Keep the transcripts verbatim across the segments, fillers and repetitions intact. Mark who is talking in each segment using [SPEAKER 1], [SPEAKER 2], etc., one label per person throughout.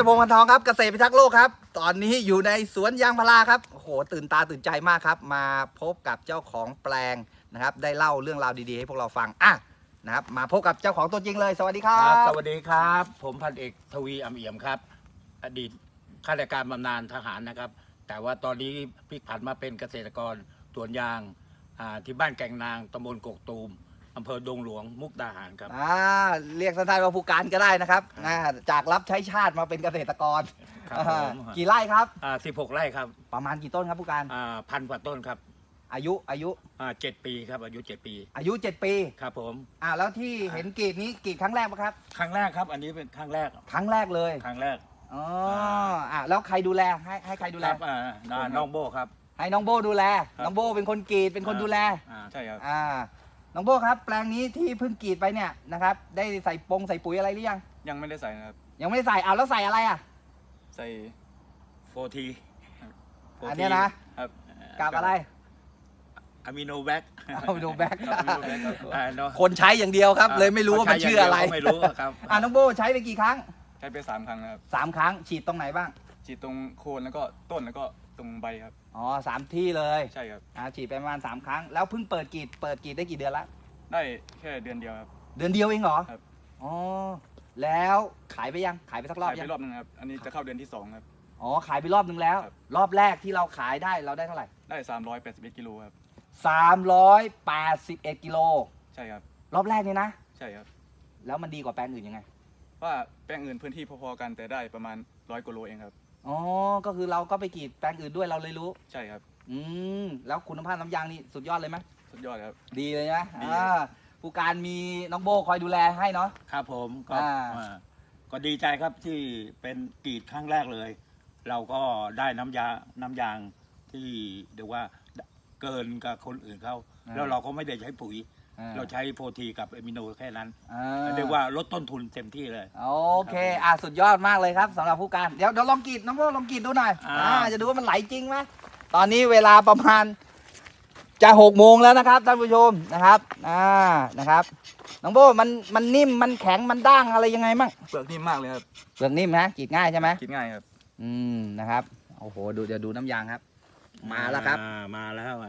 [SPEAKER 1] พงษ์ พันทองครับเกษตรพิทักษ์โลกครับตอนนี้อยู่ในสวนยางพาราครับโอ้โหตื่นตาตื่นใจมากครับมาพบกับเจ้าของแปลงนะครับได้เล่าเรื่องราวดีๆให้พวกเราฟังอ่ะนะครับมาพบกับเจ้าของตัวจริงเลยสวัสดีครั
[SPEAKER 2] ครับ บสวัสดีครับผมพันเอกทวีอำเอี่ยมครับอดีตข้าราชการบำนาญทหารนะครับแต่ว่าตอนนี้พลิกผันมาเป็นเกษตรกรสวนยางที่บ้านแก่งนางตำบลกกตูมอำเภอดงหลวงมุกดาหารครับ
[SPEAKER 1] อ่าเรียกสั้นๆว่าผู้การก็ได้นะครับอ่าจากรับใช้ชาติมาเป็นเกษตรกร
[SPEAKER 2] ครับผม
[SPEAKER 1] กี่ไร่ครับ
[SPEAKER 2] อ่าสิบหกไร่ครับ
[SPEAKER 1] ประมาณกี่ต้นครับผู้การ
[SPEAKER 2] อ่าพันกว่าต้นครับ
[SPEAKER 1] อายุอายุ
[SPEAKER 2] อ่าเจ็ดปีครับอายุเจ็ดปี
[SPEAKER 1] อายุเจ็ดปี
[SPEAKER 2] ครับผม
[SPEAKER 1] อ่าแล้วที่เห็นกรีดนี้กรีดครั้งแรกปะครับ
[SPEAKER 2] ครั้งแรกครับอันนี้เป็นครั้งแรก
[SPEAKER 1] ครั้งแรกเลย
[SPEAKER 2] ครั้งแรก
[SPEAKER 1] อ๋ออ่าแล้วใครดูแลให้ให้ใครดูแล
[SPEAKER 2] ครับอ่าน้องโบครับ
[SPEAKER 1] ให้น้องโบดูแลน้องโบเป็นคนกรีดเป็นคนดูแล
[SPEAKER 2] อ่าใช่ครับ
[SPEAKER 1] อ่าน้องโบครับแปลงนี้ที่เพิ่งกรีดไปเนี่ยนะครับได้ใส่ปงใส่ปุ๋ยอะไรหรือยัง
[SPEAKER 3] ยังไม่ได้ใส่นะครับ
[SPEAKER 1] ยังไม่ได้ใส่เอาแล้วใส่อะไรอ่ะ
[SPEAKER 3] ใส่
[SPEAKER 2] โฟที
[SPEAKER 1] อันนี้นะครับกับอะไร
[SPEAKER 2] อะมิโนแบค
[SPEAKER 1] อะมิโนแบค
[SPEAKER 2] ค
[SPEAKER 1] คนใช้อย่างเดียวครับเลยไม่รู้ว่ามันชื่ออะไร
[SPEAKER 2] ไม่รู้ครับ
[SPEAKER 1] อ่าน้องโบใช้ไปกี่ครั้ง
[SPEAKER 3] ใช้ไปสามครั้งนะครับ
[SPEAKER 1] สามครั้งฉีดตรงไหนบ้าง
[SPEAKER 3] ฉีดตรงโคนแล้วก็ต้นแล้วก็ตรงใบครับ
[SPEAKER 1] อ๋อสามที่เลย
[SPEAKER 3] ใช่ครับ
[SPEAKER 1] อ่าฉีดไปประมาณสามครั้งแล้วเพิ่งเปิดกรีดเปิดกรีดได้กี่เดือนละ
[SPEAKER 3] ได้แค่เดือนเดียวครับ
[SPEAKER 1] เดือนเดียวเองเหรอ
[SPEAKER 3] ครับ
[SPEAKER 1] อ๋อแล้วขายไปยังขายไปสักรอบ
[SPEAKER 3] ยังขายไปรอบนึงครับอันนี้จะเข้าเดือนที่สองครับ
[SPEAKER 1] อ๋อขายไปรอบนึงแล้วรอบแรกที่เราขายได้เราได้เท่าไหร่
[SPEAKER 3] ได้สามร้อยแปดสิบเอ็ดกิโลครับ
[SPEAKER 1] สามร้อยแปดสิบเอ็ดกิโล
[SPEAKER 3] ใช่ครับ
[SPEAKER 1] รอบแรกนี่นะ
[SPEAKER 3] ใช่ครับ
[SPEAKER 1] แล้วมันดีกว่าแปลงอื่นยังไง
[SPEAKER 3] ว่าแปลงอื่นพื้นที่พอๆกันแต่ได้ประมาณร้อยกิโลเองครับ
[SPEAKER 1] อ๋อก็คือเราก็ไปกรีดแปลงอื่นด้วยเราเลยรู้
[SPEAKER 3] ใช่ครับ
[SPEAKER 1] อืมแล้วคุณภาพน้ำยางนี่สุดยอดเลยไหม
[SPEAKER 3] สุดยอดครับ
[SPEAKER 1] ดีเลยนะอ่าผู้การมีน้องโบคอยดูแลให้เนาะ
[SPEAKER 2] ครับผมก็ก็ดีใจครับที่เป็นกรีดครั้งแรกเลยเราก็ได้น้ำยาน้ำยางที่เรียกว่าเกินกับคนอื่นเขาแล้วเราก็ไม่ได้ใช้ปุ๋ยเราใช้โฟทีกับเอมิโนแค่นั้นเรียกว่าลดต้นทุนเต็มที่เลย
[SPEAKER 1] โอเคอ่ะสุดยอดมากเลยครับสำหรับผู้การเดี๋ยวเดี๋ยวลองกรีดน้องโบลองกรีดดูหน่อยอ่าจะดูว่ามันไหลจริงไหมตอนนี้เวลาประมาณจะหกโมงแล้วนะครับท่านผู้ชมนะครับอ่านะครับน้องโบมันมันนิ่มมันแข็งมันด้างอะไรยังไงมั่ง
[SPEAKER 3] เปลือกนิ่มมากเลยครับ
[SPEAKER 1] เปลือกนิ่มนะกรีดง่ายใช่ไหม
[SPEAKER 3] กรีดง่ายครับ
[SPEAKER 1] อืมนะครับโอ้โหดูจะดูน้ำยางครับมาแล้วครับ
[SPEAKER 2] มาแล้วอ่ะ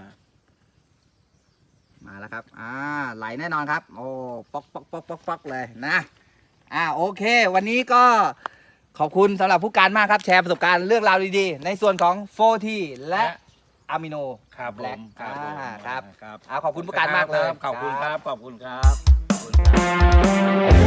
[SPEAKER 1] มาแล้วครับอ่าไหลแน่นอนครับโอ้ป๊อกป๊อกป๊อกป๊อกป๊อกเลยนะอ่าโอเควันนี้ก็ขอบคุณสำหรับผู้การมากครับแชร์ประสบการณ์เรื่องราวดีๆในส่วนของโฟทีและอะมิโน
[SPEAKER 2] ครับ
[SPEAKER 1] แบล็ค
[SPEAKER 2] ครับ
[SPEAKER 1] ครับขอบคุณผู้การมากเลย
[SPEAKER 2] ขอบคุณครับขอบคุณครับ